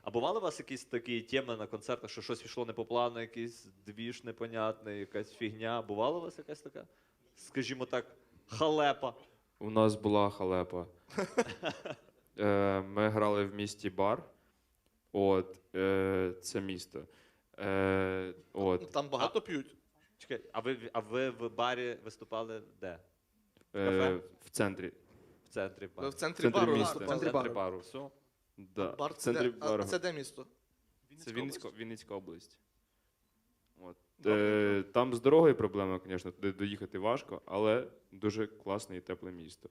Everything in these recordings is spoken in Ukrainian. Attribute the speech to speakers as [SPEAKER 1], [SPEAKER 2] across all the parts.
[SPEAKER 1] А бували у вас якісь такі теми на концертах, що щось пішло не по плану, якийсь двіж непонятний, якась фігня? Бувала у вас якась така, скажімо так, халепа?
[SPEAKER 2] У нас була халепа. Ми грали в місті Бар. Це місто.
[SPEAKER 3] Там багато п'ють.
[SPEAKER 1] Чекай, а ви в барі виступали де?
[SPEAKER 2] В центрі.
[SPEAKER 1] В центрі
[SPEAKER 3] Ви
[SPEAKER 1] бару?
[SPEAKER 3] в центрі
[SPEAKER 2] Центрі
[SPEAKER 3] бару
[SPEAKER 2] міста.
[SPEAKER 1] В
[SPEAKER 3] виступали.
[SPEAKER 1] центрі бару. Все.
[SPEAKER 2] Да.
[SPEAKER 3] Бар
[SPEAKER 2] В центрі
[SPEAKER 3] а
[SPEAKER 2] бару.
[SPEAKER 3] це де місто?
[SPEAKER 2] Це Вінницька область. Там з дорогою проблема, звісно, туди доїхати важко, але дуже класне і тепле місто.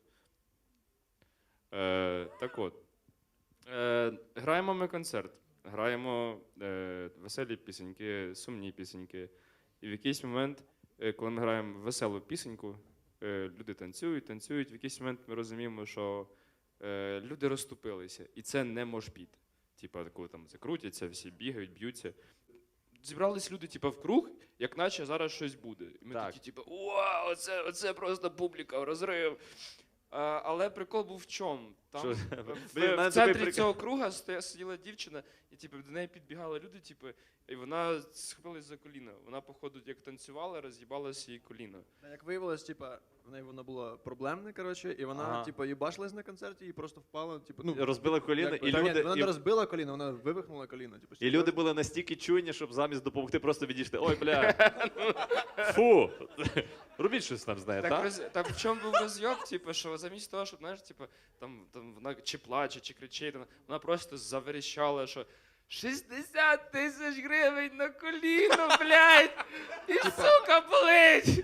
[SPEAKER 2] Граємо ми концерт. Граємо веселі пісеньки, сумні пісеньки. І в якийсь момент, коли ми граємо веселу пісеньку, люди танцюють. В якийсь момент ми розуміємо, що люди розступилися. І це не мошпіт. Типа, коли там закрутяться, всі бігають, б'ються. Зібрались люди, типу, в круг, як наче зараз щось буде. І ми такі, типу, вау, оце просто публіка, розрив. Але прикол був в чому? Там в центрі цього круга сиділа дівчина, і типу, до неї підбігали люди, типу, і вона схопилась за коліно. Вона, походу, як танцювала, роз'їбалася її коліно.
[SPEAKER 4] Як виявилось, типа, в неї воно було проблемне, коротше, і вона,
[SPEAKER 1] Ага.
[SPEAKER 4] типа, їбашилась на концерті і просто впала, типу,
[SPEAKER 1] Розбила коліно,
[SPEAKER 4] якби,
[SPEAKER 1] і
[SPEAKER 4] та ні,
[SPEAKER 1] люди...
[SPEAKER 4] вона не розбила коліно, вона вивихнула коліно. Типу,
[SPEAKER 1] І люди були настільки чуйні, щоб замість допомогти просто відійшти. Ой, бля, фу, робіть щось там з нею, так?
[SPEAKER 2] Так в чому був розйоб, типу, що замість того, щоб, знаєш, типу, там вона чи плаче, чи кричить, вона просто заверещала, що 60 тисяч гривень на коліно, блядь, і сука болить.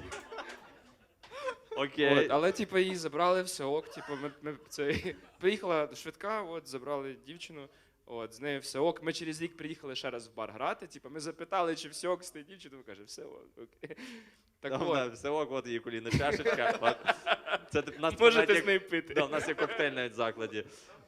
[SPEAKER 1] Окей.
[SPEAKER 2] Але, типу, її забрали, все ок, типу, приїхала швидка, забрали дівчину, з нею все ок. Ми через рік приїхали ще раз в бар грати, типу, ми запитали, чи все ок з тією дівчиною, каже, все ок, окей.
[SPEAKER 1] Все ок, от її коліна чашечка. Це,
[SPEAKER 2] Можете з нею пити.
[SPEAKER 1] У нас є коктейль навіть в закладі.